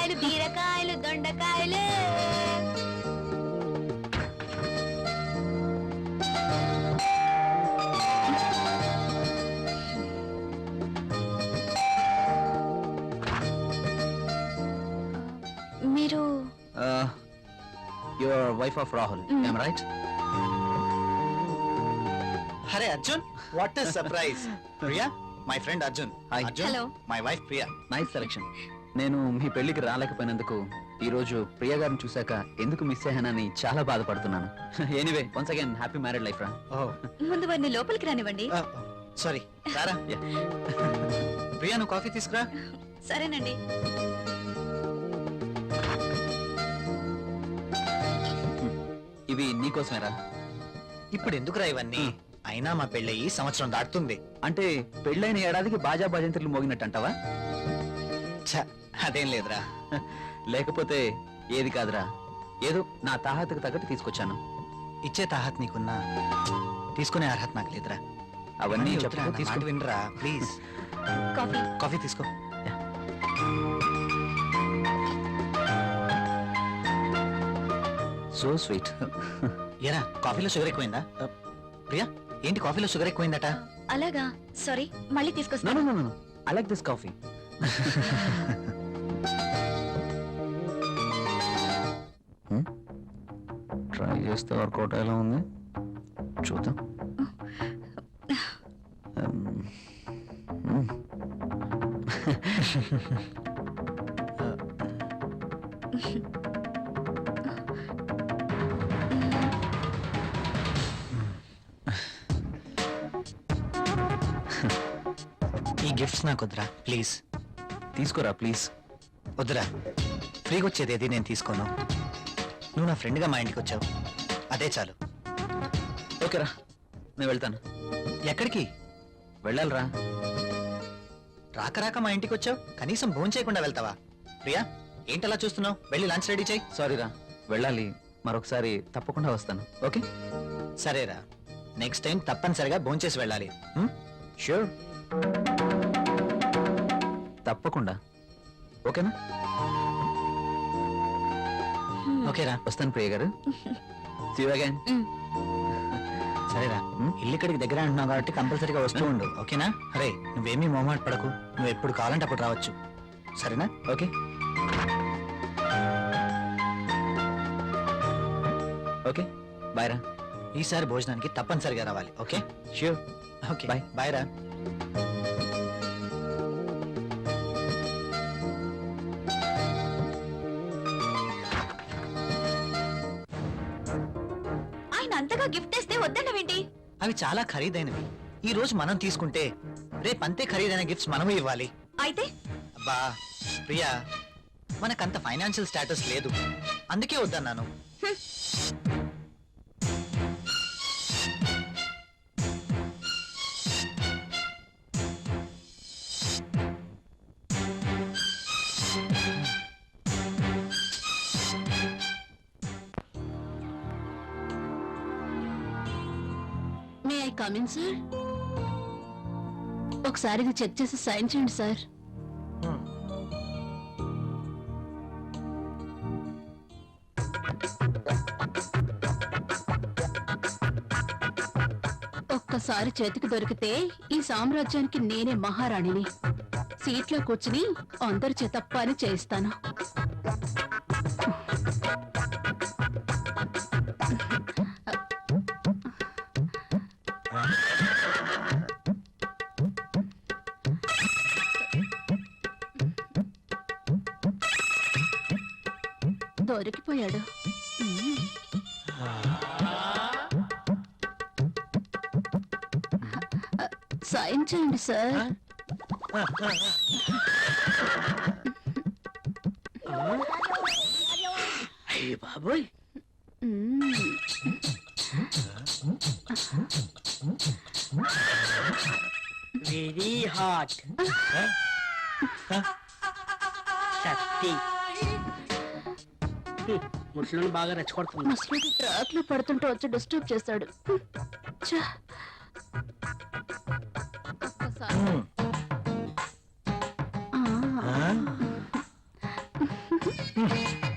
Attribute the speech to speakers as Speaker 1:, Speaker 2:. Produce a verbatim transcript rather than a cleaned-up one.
Speaker 1: వంకాయలు బీరకాయలు దొండకాయలు. మీరు
Speaker 2: your wife of Rahul, I'm right?
Speaker 3: అరే Arjun, what is surprise. Priya, my friend Arjun.
Speaker 2: Hi.
Speaker 3: Arjun,
Speaker 1: hello.
Speaker 3: My wife Priya.
Speaker 2: Nice selection. నేను మీ పెళ్లికి రాలేకపోయినందుకు ఈ రోజు ప్రియ గారిని చూశాక ఎందుకు మిస్ అయ్యానని చాలా బాధపడుతున్నాను. Anyway, once again happy married life రా.
Speaker 1: ముందు వారిని లోపలికి రానివ్వండి.
Speaker 3: సారీ, రారా. ప్రియా, నువ్వు కాఫీ తీసుకురా.
Speaker 1: సరేనండి.
Speaker 2: ఇవి నీకోసమేరా.
Speaker 3: ఇప్పుడు ఎందుకురా ఇవన్నీ? అయినా మా పెళ్ళయి సంవత్సరం దాటుతుంది.
Speaker 2: అంటే పెళ్ళైన ఏడాదికి బాజా భజంత్రులు మోగినట్టు అంటావా?
Speaker 3: ఛ, అదేం లేదురా.
Speaker 2: లేకపోతే ఏది కాదురా, ఏదో నా తాహతకు తగ్గట్టు తీసుకొచ్చాను.
Speaker 3: ఇచ్చే తాహత్ నీకున్నా, తీసుకునే అర్హత నాకు లేదురా.
Speaker 2: అవన్నీ
Speaker 3: వద్దురా,
Speaker 2: చెప్పుకో,
Speaker 3: నా
Speaker 2: తీసుకో.
Speaker 3: మాట వినరా ప్లీజ్.
Speaker 1: కాఫీ.
Speaker 3: కాఫీ తీసుకో.
Speaker 2: So sweet.
Speaker 3: ఏరా, కాఫీలో షుగర్ ఎక్కువైందా? ప్రియా, ఏంటి కాఫీలో షుగర్ ఎక్కువైందట?
Speaker 1: అలాగా, సారీ, మళ్ళీ
Speaker 2: No,
Speaker 1: తీసుకొస్తాను.
Speaker 2: no, no, no. I like this coffee. Try చేస్తే వర్కౌట్ ఎలా ఉంది చూద్దాం.
Speaker 3: ఈ గిఫ్ట్స్ నాకు వద్దురా ప్లీజ్.
Speaker 2: తీసుకోరా ప్లీజ్.
Speaker 3: వద్దురా, ఫ్రీగా వచ్చేది ఏది నేను తీసుకోను. నువ్వు నా ఫ్రెండ్గా మా ఇంటికి వచ్చావు, అదే చాలు.
Speaker 2: ఓకేరా, నేను వెళ్తాను.
Speaker 3: ఎక్కడికి
Speaker 2: వెళ్ళాలిరా.
Speaker 3: రాక రాక మా ఇంటికి వచ్చావు, కనీసం భోజనం చేయకుండా వెళ్తావా? ప్రియా, ఏంటలా చూస్తున్నావు? వెళ్ళి లంచ్ రెడీ చేయి.
Speaker 2: సారీరా, వెళ్ళాలి. మరొకసారి తప్పకుండా వస్తాను. ఓకే?
Speaker 3: సరేరా, నెక్స్ట్ టైం తప్పనిసరిగా భోజనం చేసి వెళ్ళాలి.
Speaker 2: ష్యూర్, తప్పకుండా. ఓకేనా?
Speaker 3: ఓకేరా,
Speaker 2: వస్తాను ప్రియ గారు. See you again.
Speaker 3: సరేరా. ఇల్లు ఇక్కడికి దగ్గర అంటున్నావు కాబట్టి కంపల్సరీగా వస్తూ ఉండు, ఓకేనా? అరే, నువ్వేమీ మొహమాట పడకు, నువ్వు ఎప్పుడు కావాలంటే అప్పుడు రావచ్చు, సరేనా?
Speaker 2: ఓకే ఓకే బాయ్ రా.
Speaker 3: ఈసారి భోజనానికి తప్పనిసరిగా రావాలి, okay?
Speaker 2: Sure.
Speaker 3: Okay,
Speaker 2: Bye.
Speaker 3: Bye రా.
Speaker 1: ఆయన అంతగా గిఫ్ట్ ఇస్తే వద్దన్నవేంటి?
Speaker 3: అవి చాలా ఖరీదైనవి. ఈ రోజు మనం తీసుకుంటే రేపు అంతే ఖరీదైన గిఫ్ట్స్ మనము ఇవ్వాలి.
Speaker 1: అయితే
Speaker 3: అబ్బా ప్రియా, మనకంత ఫైనాన్షియల్ స్టేటస్ లేదు, అందుకే వద్దన్నాను.
Speaker 4: May I come in sir? ఒకసారి ఇది చెక్ చేసి సైన్ చేయండి సార్. ఒక్కసారి చేతికి దొరికితే ఈ సామ్రాజ్యానికి నేనే మహారాణిని. సీట్లో కూర్చుని అందరి చేత పని చేయిస్తాను. దొరికిపోయాడు. సైన్ చేయండి సార్.
Speaker 5: అయ్య బాబోయ్, వెరీ హాట్. శక్తి ముసలిని బాగా రెచ్చగొడుతుంది.
Speaker 4: ముసలికి ట్రాక్ లో పడుతుంటే వచ్చి డిస్టర్బ్ చేస్తాడు. ఛ! ఒక్కసారి. ఆ.
Speaker 3: హ్మ్.